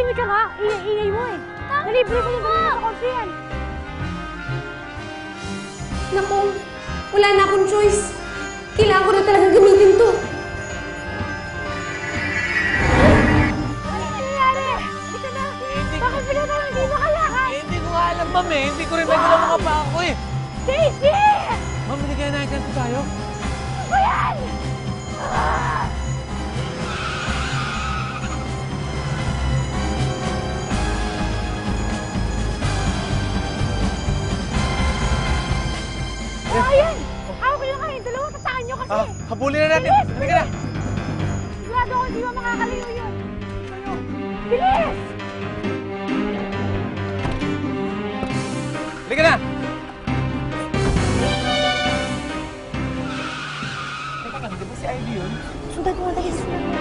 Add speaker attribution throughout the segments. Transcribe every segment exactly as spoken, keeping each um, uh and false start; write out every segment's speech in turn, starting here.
Speaker 1: Tumahimik ka nga. Ingay-ingay mo eh. Nalibre ko yung dalawa sa kotse yan.
Speaker 2: Naku, wala na akong choice. Kailangan ko na talaga gamitin to.
Speaker 1: Ano nangyayari? Hindi ka na. Bakit bigla ka hindi makalakad?
Speaker 3: Eh, hindi ko nga alam, ma'am eh. Hindi ko rin may galaw mga paa ko eh.
Speaker 1: Stacy!
Speaker 3: Ma'am, hindi kaya nakikanto tayo?
Speaker 1: Ano ba yan? Ah! Oh, ayan! Hawak nyo kayo. Dalawa, tataan nyo kasi.
Speaker 3: Ah, habulin na natin.
Speaker 1: Bilis!
Speaker 3: Halika na.
Speaker 1: Sigurado ako hindi mo makakalayo yun. Kayo. Bilis!
Speaker 3: Halika na. Teka lang, di ba si Ivy yun?
Speaker 1: Sundan mo, dali. Sundan mo.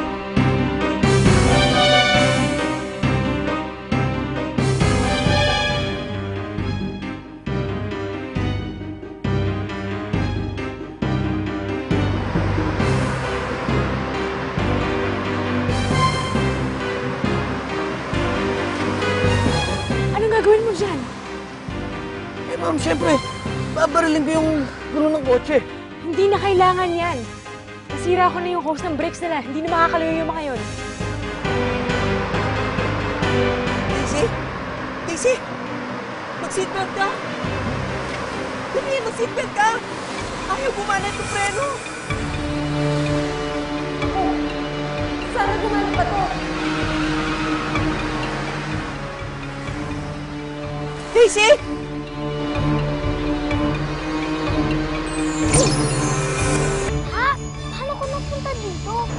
Speaker 1: Anong gagawin mo dyan?
Speaker 3: Eh, ma'am, siyempre, babarilin ko yung gulong ng kotse.
Speaker 1: Hindi na kailangan yan. Nasira ko na yung hose ng brakes nila. Hindi na makakalayo yung mga yun.
Speaker 4: Daisy? Daisy? Mag-seatbelt ka! Dali, mag-seatbelt ka! Ayaw gumana itong preno!
Speaker 2: Oh, sana gumana pa to.
Speaker 4: Daisy!
Speaker 1: Ha? Paano ko napunta dito?